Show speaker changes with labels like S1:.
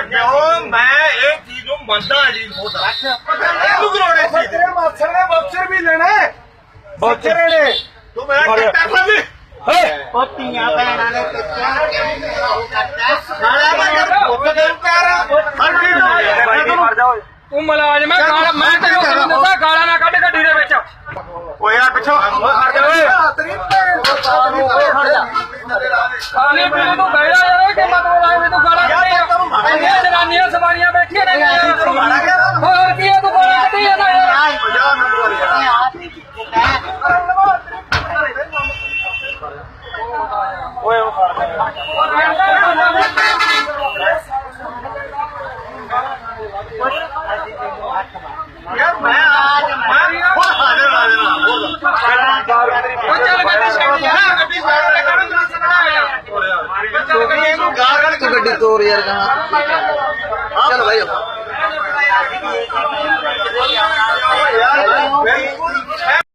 S1: ਕਿਉਂ ਮੈਂ ਇਹ ਚੀਜ਼ ਨੂੰ ਮੰਨਦਾ ਜੀ ਉਹਦਾ ਤੂੰ ਕਰਾਉਣੇ ਸੀ
S2: ਤੇਰੇ ਮਾਸਰ ਨੇ ਬਾਕਸਰ ਵੀ ਲੈਣਾ ਬਾਕਸਰ ਨੇ
S1: ਤੂੰ ਮੇਰਾ ਕੱਟਾ ਫੜ
S3: ਪੋਤੀਆਂ ਭੈਣਾਂ ਨੇ ਕਿੱਥੇ
S1: ਸਾਲਾ ਮੈਂ ਪੁੱਤ ਦੇ
S2: ਤੂੰ ਮਲਾਜ਼ਮ ਹੈ ਗਾਲ ਮੈਂ ਤੈਨੂੰ ਕਿਉਂ ਦੱਸਾਂ ਗਾਲਾਂ ਨਾ ਕੱਢ ਗੱਡੀ ਦੇ ਵਿੱਚ
S1: ਓਏ ਆ ਪਿੱਛੋਂ ਹਟ ਜਾ ਓਏ
S2: ਖਾਣੇ ਪੀਣੇ ਤੋਂ ਬੈਠਾ ਯਾਰ ਕਿ ਮਤਲਬ ਆਏ ਤੂੰ ਗਾਲਾਂ ਕੱਢੀ ਇੰਨੀਆਂ ਜਨਾਨੀਆਂ ਸਵਾਰੀਆਂ ਬੈਠੀਆਂ ਨੇ ਹੋਰ ਕੀ ਹੈ ਤੂੰ ਗਾਲਾਂ ਕੱਢੀ ਜਾਂਦਾ ਯਾਰ
S1: ਓਏ ਉਹ ਯਾਰ ਮੈਂ ਹੁਣ ਹਾਜ਼ਰ
S2: ਉਹ ਚੱਲ ਗੱਡੀ ਛੱਡ ਯਾਰ ਗੱਡੀ ਛੱਡ ਲੈ ਕਰਨ ਤੂੰ ਸਿੱਧਾ ਆ
S1: ਤੂੰ ਇਹਨੂੰ ਗਾਲ ਕੱਢ
S3: ਤੂੰ ਗੱਡੀ ਤੋਰ ਯਾਰ ਚੱਲ ਭਾਈ
S1: ਯਾਰ